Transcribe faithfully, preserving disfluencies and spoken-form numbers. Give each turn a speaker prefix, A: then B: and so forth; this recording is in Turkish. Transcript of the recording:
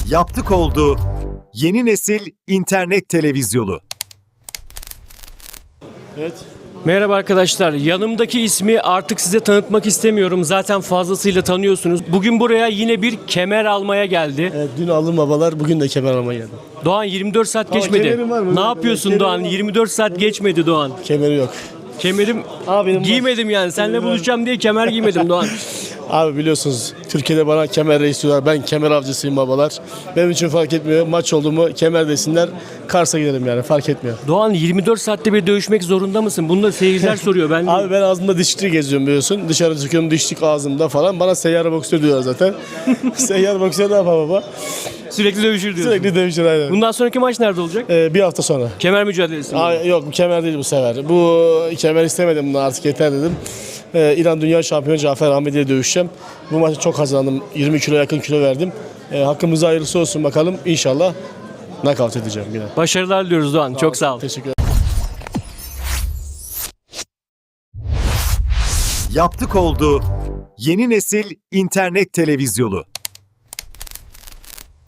A: Yaptık oldu. Yeni nesil internet televizyonu.
B: Evet.
C: Merhaba arkadaşlar. Yanımdaki ismi artık size tanıtmak istemiyorum. Zaten fazlasıyla tanıyorsunuz. Bugün buraya yine bir kemer almaya geldi.
B: Evet, dün aldım babalar, bugün de kemer almaya geldim.
C: Doğan yirmi dört saat geçmedi.
B: kemerim var mı?
C: Ne
B: Evet,
C: yapıyorsun
B: kemerim
C: Doğan?
B: var.
C: yirmi dört saat geçmedi Doğan.
B: Kemeri yok.
C: Kemerim
B: Abi benim var.
C: giymedim yani. Seninle
B: Kemerim var.
C: buluşacağım diye kemer giymedim Doğan.
B: Abi biliyorsunuz Türkiye'de bana kemer reis diyorlar. Ben kemer avcısıyım babalar. Benim için fark etmiyor. Maç oldu mu kemer desinler. Kars'a giderim yani, fark etmiyor.
C: Doğan yirmi dört saatte bir dövüşmek zorunda mısın? Bunu da seyirciler soruyor. Ben
B: Abi ben ağzımda dişlikle geziyorum biliyorsun. Dışarı çıkıyorum, dişlik ağzımda falan. Bana seyyar boksör diyorlar zaten. Seyyar boksör ne yapar baba?
C: sürekli dövüşür diyorsun.
B: Sürekli dövüşür aynen.
C: Bundan sonraki maç nerede olacak?
B: Ee, bir hafta sonra.
C: Kemer mücadelesi mi?
B: Aa, yok bu kemer değil bu sefer. Bu kemer istemedim, bunu artık yeter dedim. Ee, İran Dünya Şampiyonu Cafer Ahmedi ile dövüşeceğim. Bu maçı çok kazandım. yirmi kilo yakın kilo verdim. Ee, hakkımıza hayırlısı olsun bakalım. İnşallah nakavt edeceğim yine.
C: Başarılar diliyoruz Doğan. Çok sağ ol.
B: Teşekkür ederim.
A: Yaptık oldu. Yeni nesil internet televizyonu.